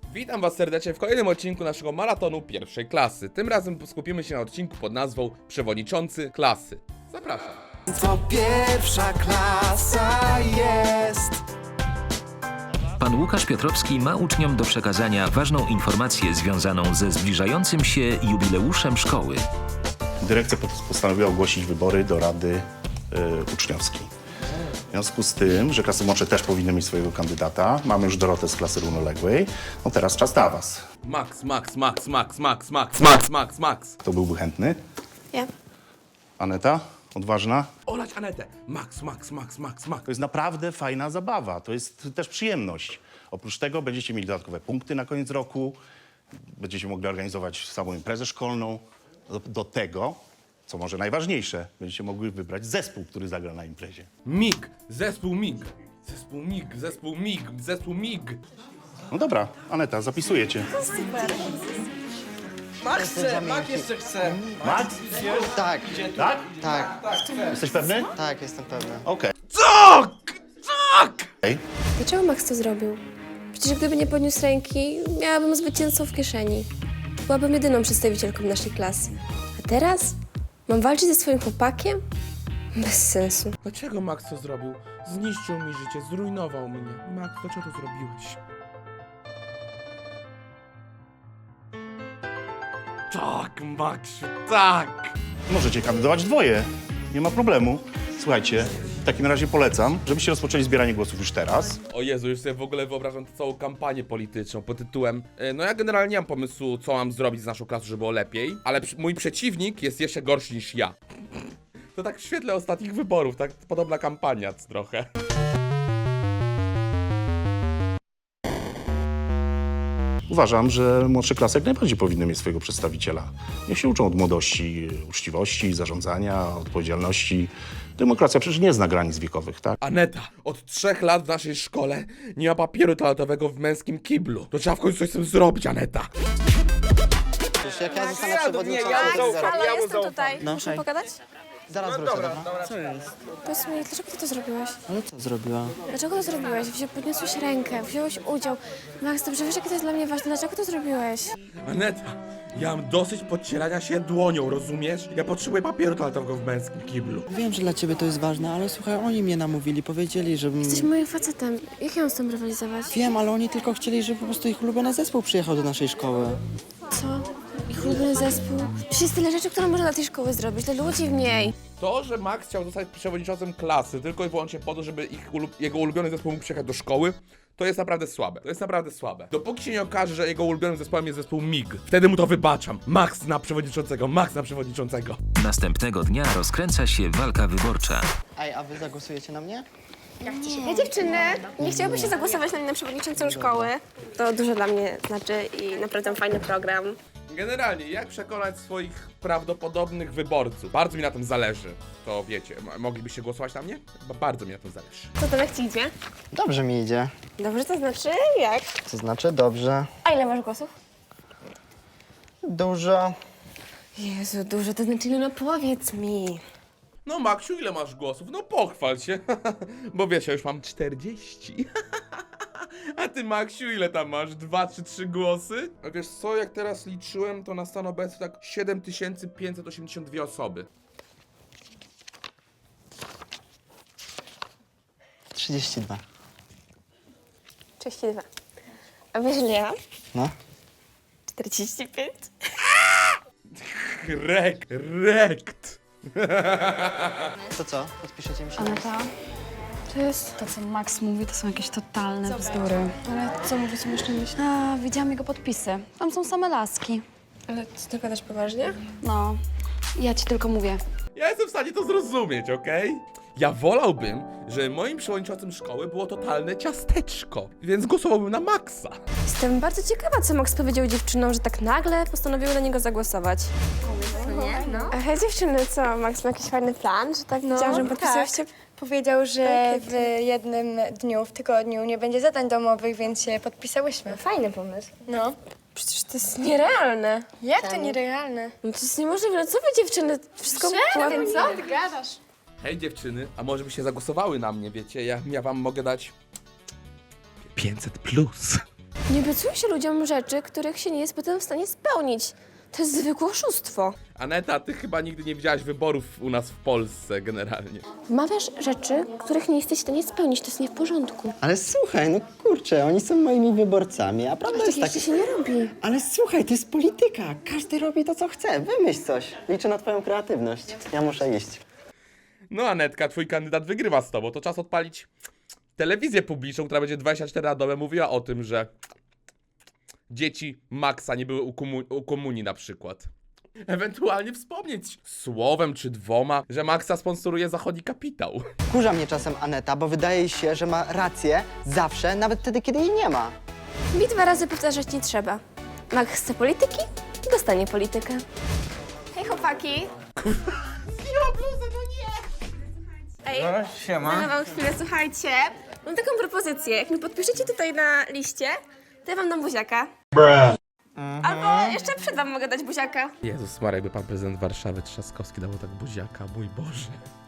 Witam was serdecznie w kolejnym odcinku naszego maratonu pierwszej klasy. Tym razem skupimy się na odcinku pod nazwą Przewodniczący klasy. Zapraszam. To pierwsza klasa jest. Pan Łukasz Piotrowski ma uczniom do przekazania ważną informację związaną ze zbliżającym się jubileuszem szkoły. Dyrekcja postanowiła ogłosić wybory do Rady Uczniowskiej. W związku z tym, że klasy młodsze też powinny mieć swojego kandydata, mamy już Dorotę z klasy równoległej, no teraz czas na was. Max. Kto byłby chętny? Ja. Aneta? Odważna? Olać Anetę. Max. To jest naprawdę fajna zabawa, to jest też przyjemność. Oprócz tego będziecie mieli dodatkowe punkty na koniec roku, będziecie mogli organizować samą imprezę szkolną. Do tego, co może najważniejsze, będziecie mogli wybrać zespół, który zagra na imprezie. Zespół MIG. No dobra, Aneta, zapisujecie. Max jeszcze chce. Max? Tak, Tak? tak, Jesteś pewny? tak, jestem pewny. Okej. Dlaczego Max to zrobił? Przecież gdyby nie podniósł ręki, miałabym zwycięzcą w kieszeni. Byłabym jedyną przedstawicielką naszej klasy. A teraz? Mam walczyć ze swoim chłopakiem? Bez sensu. Dlaczego Max to zrobił? Zniszczył mi życie, zrujnował mnie. Max, dlaczego to zrobiłeś? Tak, Maxiu, tak! Możecie kandydować dwoje, nie ma problemu. Słuchajcie, w takim razie polecam, żebyście rozpoczęli zbieranie głosów już teraz. O Jezu, już sobie w ogóle wyobrażam tę całą kampanię polityczną pod tytułem no ja generalnie nie mam pomysłu, co mam zrobić z naszą klasą, żeby było lepiej, ale mój przeciwnik jest jeszcze gorszy niż ja. To tak w świetle ostatnich wyborów, tak podobna kampania trochę. Uważam, że młodsze klasy jak najbardziej powinny mieć swojego przedstawiciela. Niech się uczą od młodości, uczciwości, zarządzania, odpowiedzialności. Demokracja przecież nie zna granic wiekowych, tak? Aneta, od 3 lat w naszej szkole nie ma papieru toaletowego w męskim kiblu. To trzeba w końcu coś z tym zrobić, Aneta. Przecież jak ja zostanę przewodniczącym, Halo, jestem tutaj. No, Muszę hej. pogadać? zaraz wrócę, dobra? Co jest? Powiedz mi, dlaczego ty to zrobiłeś? Ale co zrobiła? Dlaczego to zrobiłeś? Podniosłeś rękę, wziąłeś udział. Max, dobrze wiesz, jakie to jest dla mnie ważne. Dlaczego to zrobiłeś? Aneta, ja mam dosyć podcierania się dłonią, rozumiesz? Ja potrzebuję papieru toaletowego w męskim kiblu. Wiem, że dla ciebie to jest ważne, ale słuchaj, oni mnie namówili, powiedzieli, żebym... Jesteś moim facetem. Jak ja mam z tym rywalizować? Wiem, ale oni tylko chcieli, żeby po prostu ich ulubiony zespół przyjechał do naszej szkoły. Co? Ich ulubiony zespół? Przecież jest tyle rzeczy, które można dla tej szkoły zrobić, dla ludzi w niej. To, że Max chciał zostać przewodniczącym klasy tylko i wyłącznie po to, żeby jego ulubiony zespół mógł przyjechać do szkoły, to jest naprawdę słabe. Dopóki się nie okaże, że jego ulubionym zespołem jest zespół MIG, wtedy mu to wybaczam. Max na przewodniczącego. Następnego dnia rozkręca się walka wyborcza. Ej, a wy zagłosujecie na mnie? Ja dziewczyny, nie chciałaby się zagłosować na mnie na przewodniczącą szkoły. To dużo dla mnie znaczy i naprawdę fajny program. Generalnie, jak przekonać swoich prawdopodobnych wyborców? Bardzo mi na tym zależy. To wiecie, moglibyście głosować na mnie? Bardzo mi na tym zależy. Co to jak ci idzie? Dobrze mi idzie. Dobrze, to znaczy jak? To znaczy dobrze. A ile masz głosów? Dużo. Jezu, dużo, to znaczy ile? No powiedz mi. No Maksiu, ile masz głosów? No pochwal się. Bo wiesz, ja już mam 40. A ty, Maksiu, ile tam masz? 2 czy 3 głosy? A wiesz co, jak teraz liczyłem, to na stan obecny tak 7582 osoby. 32. 32. A wiesz ile ja? No. 45. Rekt. To co? Podpiszecie mi się? Aneta, To jest... to co Max mówi, to są jakieś totalne bzdury. Ale co mówisz, co jeszcze myślisz? A, widziałam jego podpisy. Tam są same laski. Ale ty gadasz poważnie? No, ja ci tylko mówię. Ja jestem w stanie to zrozumieć, okej? Ja wolałbym, żeby moim przewodniczącym szkoły było totalne ciasteczko, więc głosowałbym na Maxa. Jestem bardzo ciekawa, co Max powiedział dziewczynom, że tak nagle postanowiły na niego zagłosować. Nie, no. A hej dziewczyny, co? Max ma jakiś fajny plan, że tak widziałam, że podpisywaście? Powiedział, że w jednym dniu, w tygodniu nie będzie zadań domowych, więc się podpisałyśmy. Fajny pomysł. No. Przecież to jest nierealne. Jak to nierealne? No to jest niemożliwe. No co wy dziewczyny? Wszystko ładnie. Co ty gadasz? Hej dziewczyny, a może byście zagłosowały na mnie, wiecie? Ja wam mogę dać 500 plus. Nie obiecuje się ludziom rzeczy, których się nie jest potem w stanie spełnić. To jest zwykłe oszustwo. Aneta, ty chyba nigdy nie widziałaś wyborów u nas w Polsce generalnie. Wmawiasz rzeczy, których nie jesteś w stanie spełnić. To jest nie w porządku. Ale słuchaj, no kurczę, oni są moimi wyborcami, a prawda Tak jest jeszcze taka... się nie robi. Ale słuchaj, to jest polityka. Każdy robi to, co chce. Wymyśl coś. Liczę na twoją kreatywność. Ja muszę iść. No Anetka, twój kandydat wygrywa z tobą. To czas odpalić telewizję publiczną, która będzie 24 na dobę mówiła o tym, że dzieci Maxa nie były u komunii na przykład. Ewentualnie wspomnieć słowem czy dwoma, że Maxa sponsoruje zachodni kapitał. Wkurza mnie czasem Aneta, bo wydaje się, że ma rację zawsze, nawet wtedy, kiedy jej nie ma. Mi 2 razy powtarzać nie trzeba. Max chce polityki, dostanie politykę. Hej chłopaki. Zdjęła bluzę, no nie! Ej, Siema. wam chwilę, słuchajcie. Mam taką propozycję. Jak mi podpiszecie tutaj na liście, to ja wam dam buziaka. Albo jeszcze przed wam mogę dać buziaka. Jezus Maria, jakby pan prezydent Warszawy Trzaskowski dał tak buziaka, mój Boże.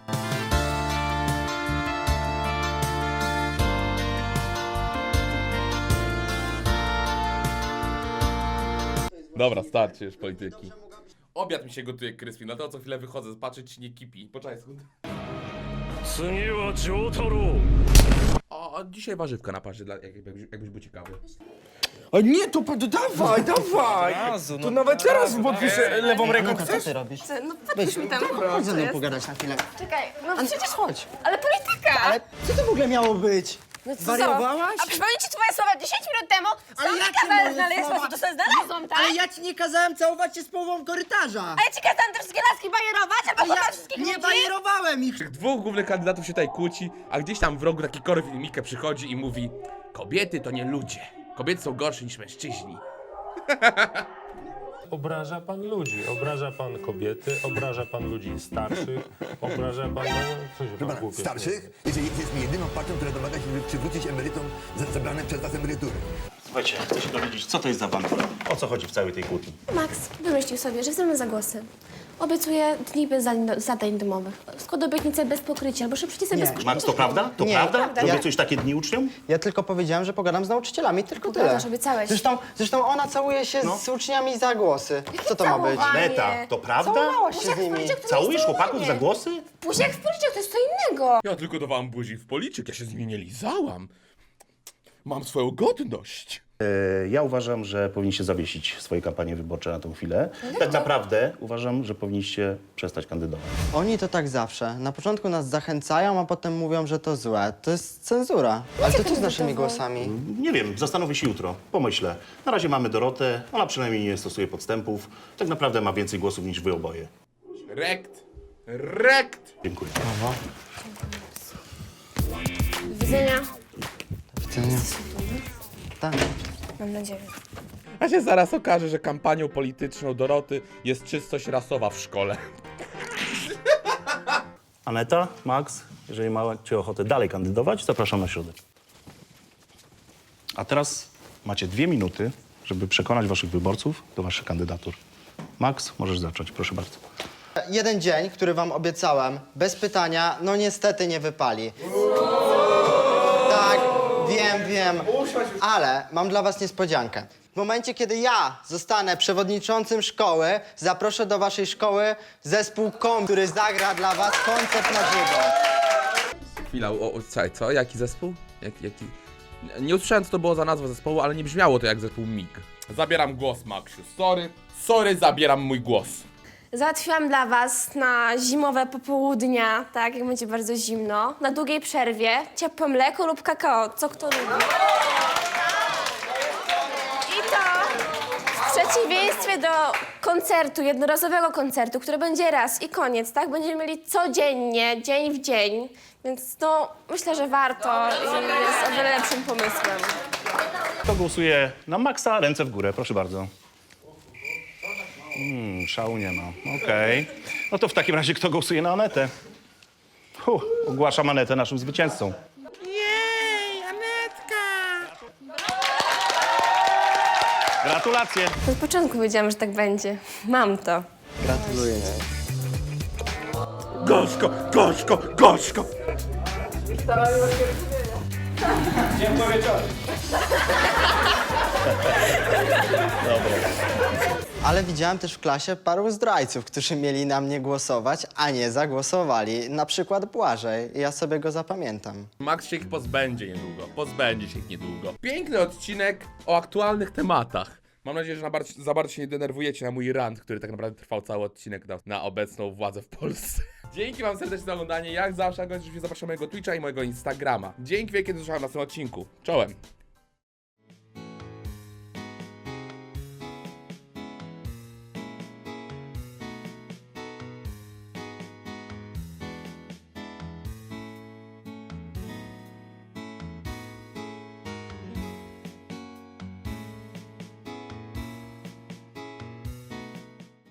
Dobra, starczy już polityki. Obiad mi się gotuje, Kryspin, dlatego co chwilę wychodzę zobaczyć, czy nie kipi. Poczekaj sekund. O, dzisiaj warzywka na parze, jakbyś był ciekawy. O nie, to dawaj, dawaj! To nawet teraz podpiszę lewą ręką, Aneta, co chcesz? ty robisz? No podpisz mi tam. Chodź ze Co mną jest? pogadać na chwilę. Czekaj, no przecież Chodź. ale polityka! Ale co to w ogóle miało być? No co? Wariowałaś? A przypomnę ci twoje słowa 10 minut temu. Ale Sam jakie mi kazałeś moje znaleźć słowa? sposób, to sobie znalazłam, tak? Ale ja ci nie kazałem całować się z połową korytarza. A ja ci kazałam te wszystkie laski bajerować, a Ale potem ja wszystkich nie ludzi? bajerowałem ich. Tych dwóch głównych kandydatów się tutaj kłóci, a gdzieś tam w rogu taki Korwin Mikke przychodzi i mówi: kobiety to nie ludzie. Kobiety są gorsze niż mężczyźni. Obraża pan ludzi, obraża pan kobiety, obraża pan ludzi starszych, obraża pan... Co się pan głupie Starszych, jeżeli jesteśmy jedyną partią, która domaga się, żeby przywrócić emerytom zabrane przez nas emerytury. Słuchajcie, chcę się dowiedzieć, co to jest za awantura? O co chodzi w całej tej kłótni? Max wymyślił sobie, że chcemy za głosy. Obiecuję dni bez zadań domowych. Skład obietnice bez pokrycia, albo szybciej sobie bez Max, to prawda? To Nie, prawda? prawda. Że obiecujesz takie dni uczniom? Ja tylko powiedziałem, że pogadam z nauczycielami, tylko tyle. Gadasz, obiecałeś. Zresztą ona całuje się No. z uczniami za głosy. Co to ma być? całowanie? Neta, to prawda? Całowałaś się z Buziak w nimi. policzek to Całujesz nie jest chłopaków całowanie. za głosy? Buziak w policzek to jest co innego. Ja tylko dawałam buzi w policzek, ja się z nimi nie lizałam. Mam swoją godność. Ja uważam, że powinniście zawiesić swoje kampanie wyborcze na tą chwilę. Tak naprawdę uważam, że powinniście przestać kandydować. Oni to tak zawsze. Na początku nas zachęcają, a potem mówią, że to złe. To jest cenzura. Ale to co z naszymi głosami? Nie wiem, zastanowię się jutro, pomyślę. Na razie mamy Dorotę, ona przynajmniej nie stosuje podstępów. Tak naprawdę ma więcej głosów niż wy oboje. Rekt! Dziękuję. Do widzenia. Widzenia. Tak. Mam nadzieję. A się zaraz okaże, że kampanią polityczną Doroty jest czystość rasowa w szkole. Aneta, Max, jeżeli macie ochotę dalej kandydować, zapraszam na środę. A teraz macie 2 minuty, żeby przekonać waszych wyborców do waszych kandydatur. Max, możesz zacząć, proszę bardzo. Jeden dzień, który wam obiecałem, bez pytania, no niestety nie wypali. Tak, wiem, ale mam dla was niespodziankę. W momencie, kiedy ja zostanę przewodniczącym szkoły, zaproszę do waszej szkoły zespół KOM, który zagra dla was koncert na żywo. Chwila, słuchaj, co? Jaki zespół? Jaki? Nie usłyszałem, co to było za nazwa zespołu, ale nie brzmiało to jak zespół MIG. Zabieram głos, Maxiu. Sorry, zabieram mój głos. Załatwiłam dla was na zimowe popołudnia, tak, jak będzie bardzo zimno, na długiej przerwie, ciepłe mleko lub kakao, co kto lubi. I to w przeciwieństwie do koncertu, jednorazowego koncertu, który będzie raz i koniec, tak? Będziemy mieli codziennie, dzień w dzień, więc no, myślę, że warto i jest o wiele lepszym pomysłem. Kto głosuje na Maxa? Ręce w górę, proszę bardzo. Szału nie ma. Okej. No to w takim razie kto głosuje na Anetę? Ogłaszam Anetę naszym zwycięzcą. Jej, Anetka! Gratulacje. Od początku wiedziałam, że tak będzie. Mam to. Gratuluję. Gorzko! Dziękuję wieczorem. Ale widziałem też w klasie paru zdrajców, którzy mieli na mnie głosować, a nie zagłosowali. Na przykład Błażej. Ja sobie go zapamiętam. Max się ich pozbędzie niedługo. Pozbędzie się ich niedługo. Piękny odcinek o aktualnych tematach. Mam nadzieję, że za bardzo się nie denerwujecie na mój rant, który tak naprawdę trwał cały odcinek na obecną władzę w Polsce. Dzięki wam serdecznie za oglądanie. Jak zawsze, zapraszam mojego Twitcha i mojego Instagrama. Dzięki wielkie, do zobaczenia w następnym odcinku. Czołem!